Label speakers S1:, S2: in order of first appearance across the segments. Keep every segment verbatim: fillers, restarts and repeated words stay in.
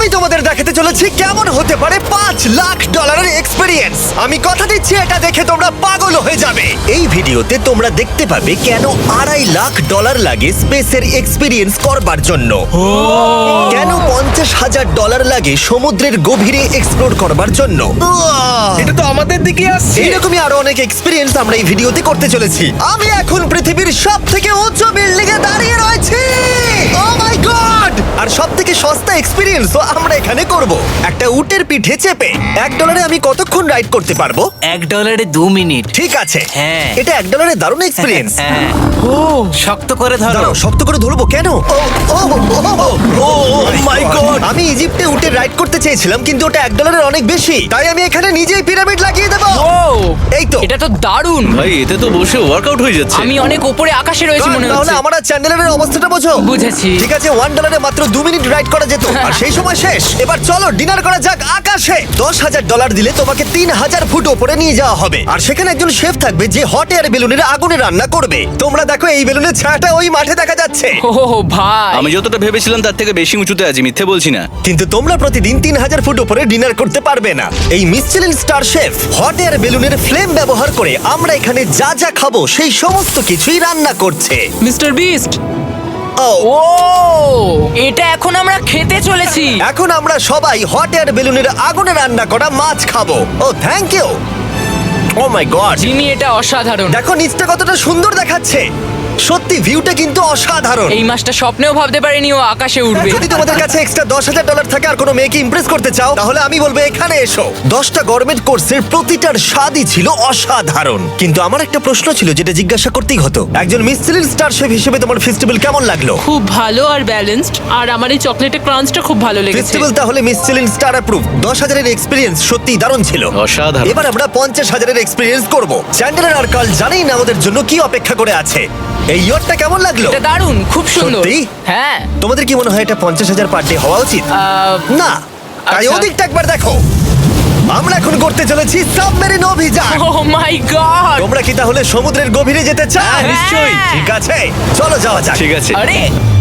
S1: আমি তোমাদের দেখাতে চলেছি কেমন হতে পারে পাঁচ লাখ ডলারের এক্সপিরিয়েন্স। আমি কথা দিচ্ছি এটা দেখে তোমরা পাগল হয়ে যাবে। এই ভিডিওতে তোমরা দেখতে পাবে কেন আড়াই লাখ ডলার লাগে স্পেসের এক্সপিরিয়েন্স করবার জন্য, কেন পঞ্চাশ হাজার ডলার লাগে সমুদ্রের গভীরে এক্সপ্লোর করবার জন্য।
S2: এটা তো আমাদের দিকে আসছে।
S1: এইরকমই আরো অনেক এক্সপিরিয়েন্স আমরা এই ভিডিওতে করতে চলেছি। আমি এখন পৃথিবীর সব থেকে উঁচু বিল্ডিং এ দাঁড়িয়ে রয়েছি। ও মাই গড! আর সব থেকে সস্তা এক্সপিরিয়েন্সও আমরা এখানে করব, একটা উটের পিঠে চেপে। এক ডলারে আমি কতক্ষণ রাইড করতে পারবো?
S3: এক ডলারে দু মিনিট।
S1: ঠিক আছে,
S3: হ্যাঁ।
S1: এটা এক ডলারে দারুণ এক্সপিরিয়েন্স।
S3: হ্যাঁ। ও শক্ত করে ধরো।
S1: দাঁড়াও, শক্ত করে ধরবো কেন? Oh oh oh my god! আমি ইজিপ্টে উটে রাইড করতে চেয়েছিলাম, কিন্তু ওটা এক ডলারের অনেক বেশি, তাই আমি এখানে নিজেই পিরামিড লাগিয়ে দেবো।
S4: ও
S1: এই তো।
S4: এটা তো দারুণ।
S2: ভাই এতে তো বসে ওয়ার্কআউট হয়ে যাচ্ছে।
S4: আমি অনেক উপরে আকাশে রয়েছি মনে
S1: তাহলে
S4: হচ্ছে।
S1: আমার আর চ্যান্ডেলের অবস্থাটা বোঝো।
S4: বুঝেছি।
S1: ঠিক আছে, ওয়ান ডলারে মাত্র দু মিনিট রাইড করা যেত, আর সেই সময় শেষ। এবার চলো ডিনার করা যাক আকাশে। দশ হাজার ডলার দিলে তোমাকে তিন হাজার ফুট ওপরে নিয়ে যাওয়া হবে, আর সেখানে একজন শেফ থাকবে যে হট এয়ার বেলুনের আগুনে রান্না করবে। তোমরা দেখো এই বেলুনের ছায়াটা ওই মাঠে দেখা যাচ্ছে।
S4: ও ভাই,
S2: আমি যতটা ভেবেছিলাম তার থেকে বেশি উঁচুতে আছি, মিথ্যে বলছি না।
S1: কিন্তু তোমরা প্রতিদিন তিন হাজার ফুট উপরে ডিনার করতে পারবে না। এই Michelin star chef hot air বেলুনের ফ্লেম ব্যবহার করে আমরা এখানে যা যা খাবো সেই সমস্ত কিছুই রান্না করছে।
S4: Mister beast.
S1: ও
S4: ও এটা এখন আমরা খেতে চলেছি।
S1: এখন আমরা সবাই হট এয়ার বেলুনের আগুনে রান্না করা মাছ খাবো। Oh thank you. Oh my god,
S4: Jimmy এটা অসাধারণ।
S1: দেখো নিচটা কতটা সুন্দর দেখাচ্ছে। সত্যি ভিউটা কিন্তু অসাধারণ।
S4: এই মাসটা স্বপ্নেও ভাবতে পারিনি ও আকাশে উঠবে।
S1: যদি তোমাদের কাছে এক্সট্রা দশ হাজার ডলার থাকে আর কোনো মেয়েকে ইমপ্রেস করতে চাও, তাহলে আমি বলবো এখানে এসো। দশটা গভর্নমেন্ট কোর্সের প্রতিটার স্বাদই ছিল অসাধারণ। কিন্তু আমার একটা প্রশ্ন ছিল যেটা জিজ্ঞাসা করতেই হতো, একজন মিসচেলিন স্টার শেফ হিসেবে তোমার ফেস্টিভ্যাল কেমন লাগলো?
S5: খুব ভালো আর ব্যালেন্সড, আর আমার এই চকলেটের ক্রাঞ্চটা খুব ভালো লেগেছে।
S1: ফেস্টিভ্যাল তাহলে মিসচেলিন স্টার অ্যাপ্রুভ। দশ হাজারের এক্সপিরিয়েন্স সত্যি দারুণ ছিল।
S2: অসাধারণ।
S1: এবার আমরা পঞ্চাশ হাজারের এক্সপিরিয়েন্স করব। চ্যান্ডেলার আর কার্ল জানেই না আমাদের জন্য কি অপেক্ষা করে আছে। এই ইয়ারটা কেমন লাগলো?
S4: এটা দারুণ, খুব সুন্দর।
S1: সত্যি?
S4: হ্যাঁ।
S1: তোমাদের কি মনে হয় এটা পঞ্চাশ হাজার পার ডে হওয়া উচিত?
S4: আহ,
S1: না, তাই
S4: আচ্ছা।
S1: ওদিকটা একবার দেখো। আমরা এখন করতে চলেছি সাবমেরিন অভিযান।
S4: Oh my god.
S1: তোমরা কি তাহলে সমুদ্রের গভীরে যেতে চাও?
S4: হ্যাঁ, নিশ্চয়ই।
S1: ঠিক আছে, চলো যাওয়া যাক।
S2: ঠিক আছে।
S4: আরে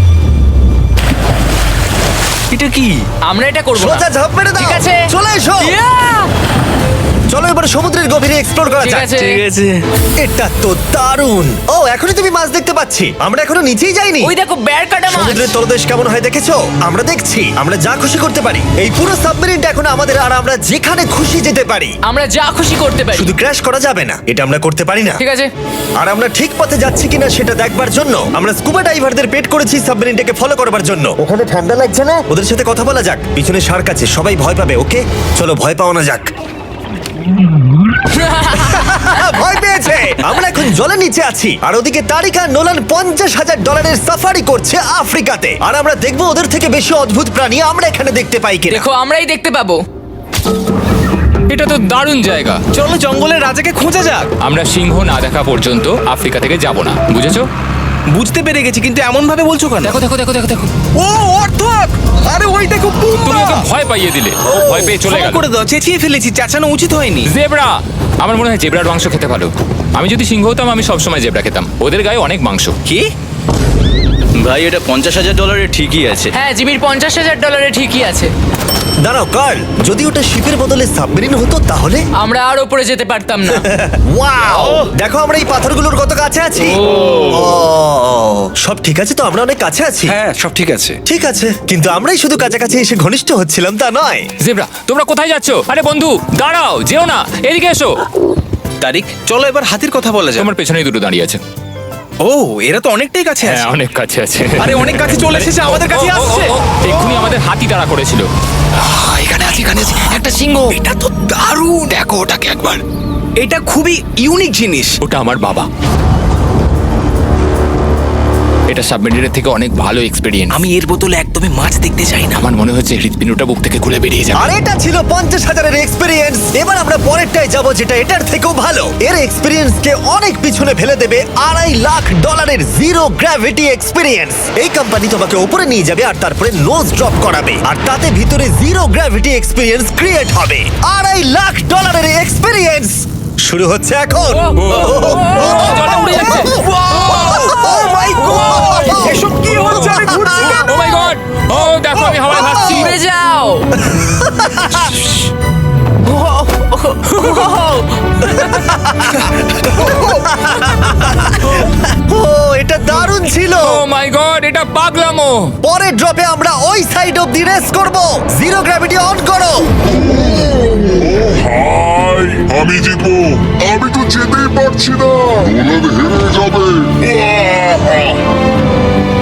S2: এটা কি?
S4: আমরা এটা করব না।
S1: সোজা ঝাঁপ মেরে দাও।
S4: ঠিক আছে।
S1: চলে এসো।
S4: Yeah!
S1: চলো এবার সমুদ্রের গভীরে এক্সপ্লোর করা
S4: ঠিক
S1: যাক।
S4: আছে।
S2: ঠিক আছে।
S1: এটা তো দারুণ। ও এখনই তুমি মাছ দেখতে পাচ্ছি, আমরা এখনো নিচেই যাইনি।
S4: ওই দেখো বেড় কাটা মাছ।
S1: সমুদ্রের তলদেশ কেমন হয় দেখেছো? আমরা দেখছি, আমরা যা খুশি করতে পারি। এই পুরো সাবমেরিনটা এখন আমাদের, আর আমরা যেখানে খুশি যেতে পারি।
S4: আমরা যা খুশি করতে পারি।
S1: শুধু ক্র্যাশ করা যাবে না, এটা আমরা করতে পারি না।
S4: ঠিক আছে।
S1: আর আমরা ঠিক পথে যাচ্ছি কিনা সেটা দেখবার জন্য আমরা স্কুবা ডাইভারদের পেড করেছি সাবমেরিনটাকে ফলো করবার জন্য। ওখানে ঠান্ডা লাগছে না? ওদের সাথে কথা বলা যাক। পিছনে শার্ক আছে, সবাই ভয় পাবে। ওকে চলো ভয় পাওয়া না যাক। ভয় পেয়েছে। আমরা এখন জলের নিচে আছি, আর ওদিকে তারিকা নোলান পঞ্চাশ হাজার ডলারের সাফারি করছে আফ্রিকাতে। আর আমরা দেখবো ওদের থেকে বেশি অদ্ভুত প্রাণী আমরা এখানে দেখতে পাই কিনা।
S4: দেখো আমরাই দেখতে পাবো।
S6: এটা তো দারুণ জায়গা।
S2: চলো জঙ্গলের রাজাকে খোঁজা যাক।
S6: আমরা সিংহ না দেখা পর্যন্ত আফ্রিকা থেকে যাব না, বুঝেছো?
S2: বুঝতে পেরে গেছি, কিন্তু এমন ভাবে বলছো কেন?
S6: দেখো দেখো দেখো দেখো দেখো
S2: ও অর্থক! আরে ওই দেখো
S6: তুমি
S2: পুম্বা!
S6: ওকে ভয় পাইয়ে দিলে, ও ভয় পেয়ে চলে
S2: ক্ষমা
S6: গেল।
S2: করে দাও, চেঁচিয়ে ফেলেছি, চাচানো উচিত হয়নি।
S6: জেব্রা, আমার মনে হয় জেব্রার মাংস খেতে ভালো। আমি যদি সিংহ হতাম আমি সবসময় জেব্রা খেতাম, ওদের গায়ে অনেক মাংস।
S2: কি? ভাই এটা পঞ্চাশ হাজার ডলারের ঠিকই আছে।
S4: হ্যাঁ, জিমির পঞ্চাশ হাজার ডলারে ঠিকই আছে।
S1: দাঁড়াও কার্ল, যদি ওটা শিপের বদলে সাবমেরিন হতো তাহলে?
S4: আমরা আর উপরে যেতে পারতাম না।
S1: ওয়াও, দেখো আমরা এই পাথরগুলোর কত কাছে আছি। ও, সব ঠিক আছে তো? আমরা অনেক কাছে আছি।
S2: হ্যাঁ সব ঠিক আছে।
S1: ঠিক আছে, কিন্তু আমরাই শুধু কাছাকাছি এসে ঘনিষ্ঠ হচ্ছিলাম তা নয়।
S6: জেব্রা, তোমরা কোথায় যাচ্ছ? আরে বন্ধু দাঁড়াও, যেও না, এদিকে এসো।
S2: তারিক চলো এবার হাতির কথা বলা যাক।
S6: তোমার পেছনেই দুটো দাঁড়িয়ে আছে।
S2: ও এরা তো অনেকটাই কাছে
S6: হ্যাঁ,
S2: আছে।
S6: অনেক কাছে আছে।
S2: আরে অনেক কাছে চলে এসেছে, আমাদের কাছে
S6: ও, ও, ও,
S2: আসছে।
S6: ও, এক্ষুনি আমাদের হাতি তাড়া করেছিল।
S2: এখানে আছে, এখানে আছে একটা সিংহ। এটা তো দারুণ, দেখো ওটাকে একবার। এটা খুবই ইউনিক জিনিস।
S6: ওটা আমার বাবা। এটা সাবমেরিনের থেকে অনেক ভালো এক্সপেরিয়েন্স।
S2: আমি এর বোতলে একদমই মাছ দেখতে চাই না।
S6: আমার মনে হচ্ছে হৃৎপিণ্ডটা বুক থেকে খুলে বেরিয়ে যাবে।
S1: আর এটা ছিল পঞ্চাশ হাজারের এক্সপিরিয়েন্স। এবার আমরা পরেরটায় যাব যেটা এটার থেকেও ভালো। এর এক্সপিরিয়েন্স কে অনেক পিছনে ফেলে দেবে আড়াই লাখ ডলারের জিরো গ্র্যাভিটি এক্সপিরিয়েন্স। এই কোম্পানি তোমাকে উপরে নিয়ে যাবে আর তারপরে নোজ ড্রপ করাবে, আর তাতে ভিতরে জিরো গ্র্যাভিটি এক্সপিরিয়েন্স ক্রিয়েট হবে। আড়াই লাখ ডলারের এক্সপিরিয়েন্স শুরু হচ্ছে এখন।
S6: জলে উড়ে যাচ্ছে।
S1: Oh my God!
S2: এসব কি হচ্ছে? আমি ঘুরছি কেন?
S6: ও মাই গড, গড ও দেখো আমি হাওয়ায় ভাসছি
S4: উড়ে যাও।
S1: ও এটা দারুণ ছিল।
S6: ও মাই গড এটা পাগলামো।
S1: পরের ড্রপে আমরা ওই সাইড অফ দি রেস করব। জিরো গ্র্যাভিটি অন করো।
S7: হাই আমি জিতবো আমি তো যেতেই পারছি না নোলান হেরে যাবে আহ!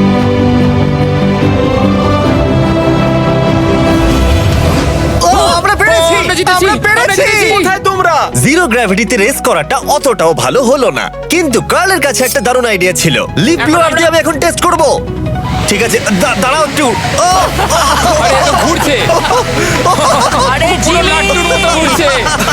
S1: ও আমরা পেরেছি,
S6: ও, আমরা জিতেছি,
S1: আমরা
S6: আমরা
S1: পেরেছি।
S6: জিতেছি।
S1: কোথায় তোমরা? জিরো গ্র্যাভিটিতে রেস করাটা অতটাও ভালো হলো না, কিন্তু কার্লের কাছে একটা দারুণ আইডিয়া ছিল। লিপ
S6: এখন
S1: ব্লোয়ার
S6: আমরা-
S1: দিয়ে আমি এখন টেস্ট করব। ঠিক আছে, দা- দাঁড়াও একটু। ও,
S6: আরে এত ঘুরছে
S4: আরে
S6: পুরো
S4: জিমি,
S6: লাট্টুর মতো ঘুরছে।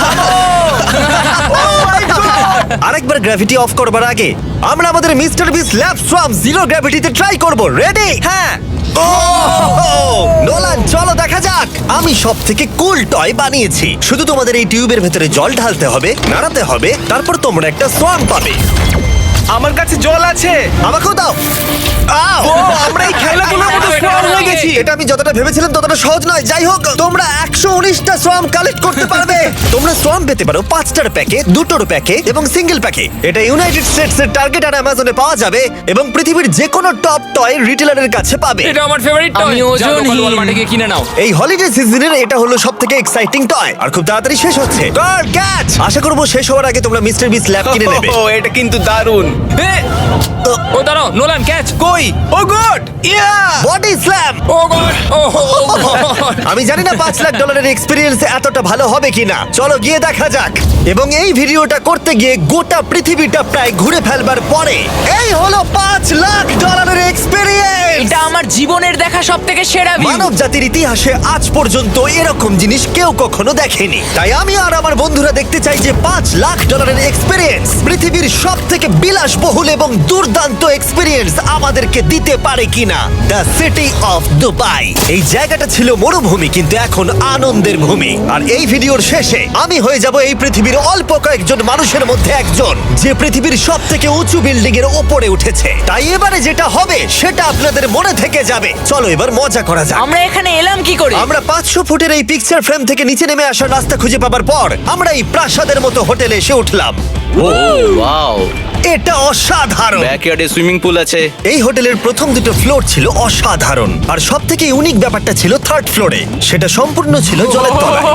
S1: আরেকবার গ্র্যাভিটি অফ করবার আগে আমরা আমাদের mister Beast Lab Swarm zero গ্র্যাভিটিতে ট্রাই করব। রেডি? হ্যাঁ। ও নোলান চলো দেখা যাক। আমি সব থেকে কুল টয় বানিয়েছি। শুধু তোমাদের এই টিউবের ভেতরে জল ঢালতে হবে, নাড়াতে হবে, তারপর তোমরা একটা সোয়াম পাবে।
S2: আমার কাছে জল আছে।
S1: আমাকেও দাও। আও!
S2: ও আমরা এই খেলাগুলোর মতো
S6: এটা
S2: স্ট্রং হয়ে
S6: হবে।
S2: গেছি।
S1: এটা আমি যতটা ভেবেছিলাম ততটা সহজ নয়। যাই হোক, তোমরা একশো উনিশটা সোয়াম কালেক্ট করতে পারবে। তোমরা সোয়াম পেতে পারো পাঁচটার প্যাকে, দুটোর প্যাকে এবং সিঙ্গেল প্যাকে। এটা ইউনাইটেড স্টেটস এর টার্গেট আর অ্যামাজনে পাওয়া যাবে এবং পৃথিবীর যে কোনো টপ টয় রিটেলারের কাছে পাবে।
S6: এটা আমার ফেভারিট টয়।
S4: আমি ওজনহীন।
S6: ওয়ালমার্টে গিয়ে কিনে নাও।
S1: এই হলিডে সিজনের এটা হলো সব থেকে এক্সাইটিং টয় আর খুব তাড়াতাড়ি শেষ হচ্ছে। Guard catch! আশা করবো শেষ হওয়ার আগে তোমরা মিস্টার বিস ল্যাব কিনে নেবে।
S2: ও এটা কিন্তু দারুণ। এ,
S6: ও দাঁড়াও নোলান ক্যাচ।
S2: কই oh god yeah
S1: body slam!
S6: Oh god oh god
S1: আমি জানি না পাঁচ লাখ ডলারের এক্সপিরিয়েন্স এতটা ভালো হবে কিনা। চলো গিয়ে দেখা যাক। এবং এই ভিডিওটা করতে গিয়ে গোটা পৃথিবীটা প্রায় ঘুরে ফেলবার পরে এই হলো পাঁচ লাখ ডলারের এক্সপিরিয়েন্স।
S4: এটা আমার জীবনের দেখা সব থেকে সেরা ভিউ।
S1: মানব জাতির ইতিহাসে আজ পর্যন্ত এরকম জিনিস কেউ কখনো দেখেনি। তাই আমি আর আমার বন্ধুরা দেখতে চাই যে পাঁচ লাখ ডলারের এক্সপিরিয়েন্স পৃথিবীর সব থেকে বিলাসবহুল এবং দুর্দান্ত এক্সপিরিয়েন্স আমাদেরকে দিতে পারে কিনা। The city of Dubai. এই জায়গাটা ছিল মরুভূমি, কিন্তু এখন আনন্দের ভূমি। আর এই ভিডিওর শেষে আমি হয়ে যাব এই পৃথিবীর অল্প কয়েকজন মানুষের মধ্যে একজন, যে পৃথিবীর সব থেকে উঁচু বিল্ডিং এর ওপরে উঠেছে। তাই এবারে যেটা হবে সেটা আপনাদের মনে থেকে যাবে। চলো এবার মজা করা যাক।
S4: আমরা এখানে এলাম কি করে?
S1: আমরা পাঁচশো ফুটের এই পিকচার ফ্রেম থেকে নিচে নেমে আসার রাস্তা খুঁজে পাবার পর আমরা এই প্রাসাদের মতো হোটেলে এসে উঠলাম।
S8: ওয়াও
S1: এটা অসাধারণ।
S8: ব্যাকইয়ার্ডে সুইমিং পুল আছে।
S1: এই হোটেলের প্রথম দুটো ফ্লোর ছিল অসাধারণ, আর সব থেকে ইউনিক ব্যাপারটা ছিল থার্ড ফ্লোরে। সেটা সম্পূর্ণ ছিল জলের তলায়।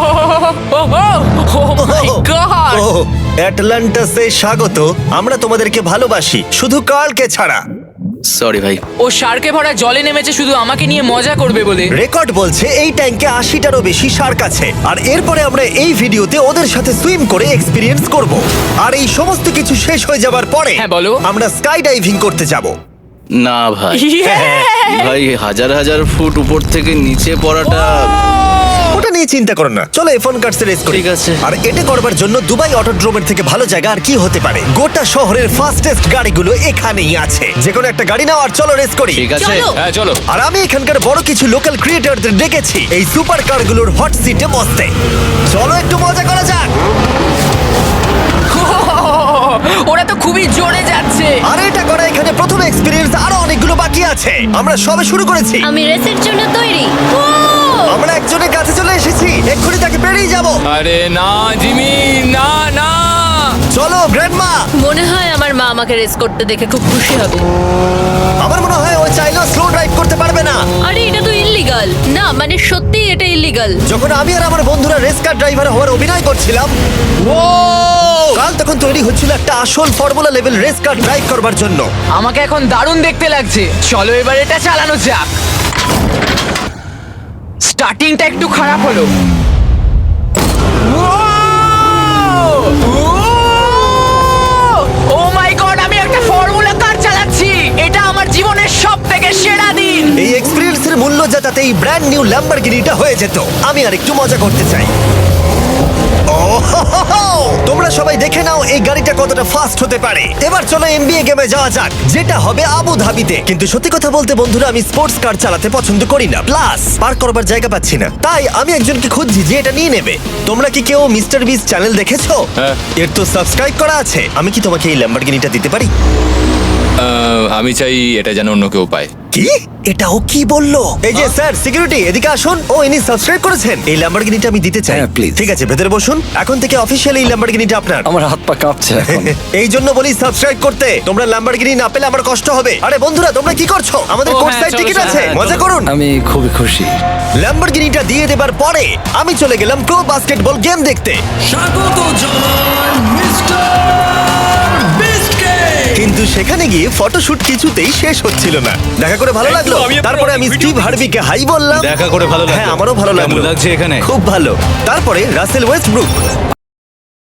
S4: ও মাই গড!
S1: ও অ্যাটলান্টাসে স্বাগত। আমরা তোমাদেরকে ভালোবাসি, শুধু কার্লকে ছাড়া।
S8: সরি ভাই।
S4: ও শার্কে ভরা জলে নেমেছে শুধু আমাকে নিয়ে মজা করবে বলে।
S1: রেকর্ড বলছে এই ট্যাঙ্কে আশিটারও বেশি শার্ক আছে। আর এরপরে আমরা এই ভিডিওতে ওদের সাথে সুইম করে এক্সপিরিয়েন্স করব। আর এই সমস্ত কিছু শেষ হয়ে যাবার পরে
S4: হ্যাঁ, বলো।
S1: আমরা স্কাই ডাইভিং করতে যাব।
S8: না ভাই,
S4: Yeah!
S8: ভাই হাজার হাজার ফুট উপর থেকে নিচে পড়াটা।
S1: ওটা নিয়ে চিন্তা করো না, চলো এফোন কার্ডস রেস করি।
S8: ঠিক আছে।
S1: আর এটা করবার জন্য দুবাই অটোড্রোমের থেকে ভালো জায়গা আর কি হতে পারে। গোটা শহরের ফাস্টেস্ট গাড়িগুলো এখানেই আছে। যে কোনো একটা গাড়ি নাও আর চলো রেস করি।
S8: ঠিক আছে।
S6: হ্যাঁ চলো।
S1: আর আমি এখানকার বড় কিছু লোকাল ক্রিয়েটরদের ডেকেছি এই সুপার কারগুলোর হট সিটে বসতে। চলো একটু মজা করা যাক।
S4: ওরা তো খুবই জোরে যাচ্ছে।
S1: আর এটা করা এখানে প্রথম এক্সপিরিয়েন্স, আরো অনেকগুলো বাকি আছে। আমরা সবে শুরু করেছি।
S9: আমি রেসের জন্য তৈরি। ও!
S1: আমরা একজনের কাছে চলে এসেছি, এক্ষুনি তাকে পেরিয়ে যাব।
S6: আরে না জিমি না না
S1: চলো গ্র্যান্ডমা।
S9: মনে হয় আমার মা আমাকে রেস করতে দেখে খুব খুশি হবে।
S1: আমার মনে হয় ও চাইলেও স্লো ড্রাইভ করতে পারবে না।
S9: আরে এটা তো ইল্লিগাল। না মানে সত্যি এটা ইল্লিগাল।
S1: যখন আমি আর আমার বন্ধুরা রেস কার ড্রাইভার হওয়ার অভিনয় করছিলাম, ও কাল তখন তৈরি হচ্ছিল একটা আসল formula level race car drive করবার জন্য।
S4: আমাকে এখন দারুণ দেখতে লাগছে। চলো এবার এটা চালানো যাক। স্টার্টিংটা একটু খারাপ হলো। ও মাই গড, আমি একটা ফর্মুলা কার চালাচ্ছি। এটা আমার জীবনের সব থেকে সেরা দিন।
S1: এই এক্সপিরিয়েন্সের মূল্য যা তাতে এই ব্র্যান্ড নিউ ল্যাম্বরগিনিটা হয়ে যেত। আমি আর একটু মজা করতে চাই। ও হো হো হো! তোমরা সবাই দেখে নাও এই গাড়িটা কতটা ফাস্ট হতে পারে। এবার চলো এনবিএ গেমে যাওয়া যাক, যেটা হবে আবু ধাবিতে। কিন্তু সত্যি কথা বলতে বন্ধুরা, আমি স্পোর্টস কার চালাতে পছন্দ করি না, প্লাস পার্ক করবার জায়গা পাচ্ছি না। তাই আমি একজনকে খুঁজছি যে এটা নিয়ে নেবে। তোমরা কি কেউ মিস্টার বিস চ্যানেল দেখেছো?
S6: হ্যাঁ।
S1: এর তো সাবস্ক্রাইব করা আছে। আমি কি তোমাকে এই ল্যাম্বরগিনিটা দিতে পারি?
S6: আহ, আমি চাই এটা যেন অন্য কেউ পায়।
S1: কি এটা ও কি বললো? এই যে স্যার সিকিউরিটি এদিকে আসুন। ও ইনি সাবস্ক্রাইব করেছেন। এই ল্যাম্বরগিনিটা আমি দিতে চাই।
S10: হ্যাঁ, please.
S1: ঠিক আছে, ভেতরে বসুন। এখন থেকে অফিসিয়ালি এই ল্যাম্বরগিনিটা আপনার।
S10: আমার হাত পা কাঁপছে এখন।
S1: এই জন্য বলি সাবস্ক্রাইব করতে। তোমরা ল্যাম্বরগিনি না পেলে আমার কষ্ট হবে। আরে বন্ধুরা তোমরা কি করছো? আমাদের
S2: ও,
S1: কোর্ট
S2: হ্যাঁ,
S1: সাইড
S2: চলো,
S1: টিকিট
S2: চলো,
S1: আছে,
S2: হ্যাঁ,
S1: মজা
S2: চলো।
S1: করুন।
S10: আমি খুবই খুশি।
S1: ল্যাম্বরগিনিটা দিয়ে দেবার পরে আমি চলে গেলাম প্রো বাস্কেটবল গেম দেখতে। কিন্তু সেখানে গিয়ে ফটোশুট কিছুতেই শেষ হচ্ছিল না। দেখা করে ভালো লাগলো।
S6: আমি আপনার
S1: তারপরে আমি
S6: video
S1: স্টিভ হার্ভিকে হাই বললাম।
S8: দেখা করে ভালো লাগলো।
S1: হ্যাঁ, আমারও ভালো
S8: কেমন
S1: লাগলো।
S8: লাগছে এখানে?
S1: খুব ভালো। তারপরে রাসেল ওয়েস্টব্রুক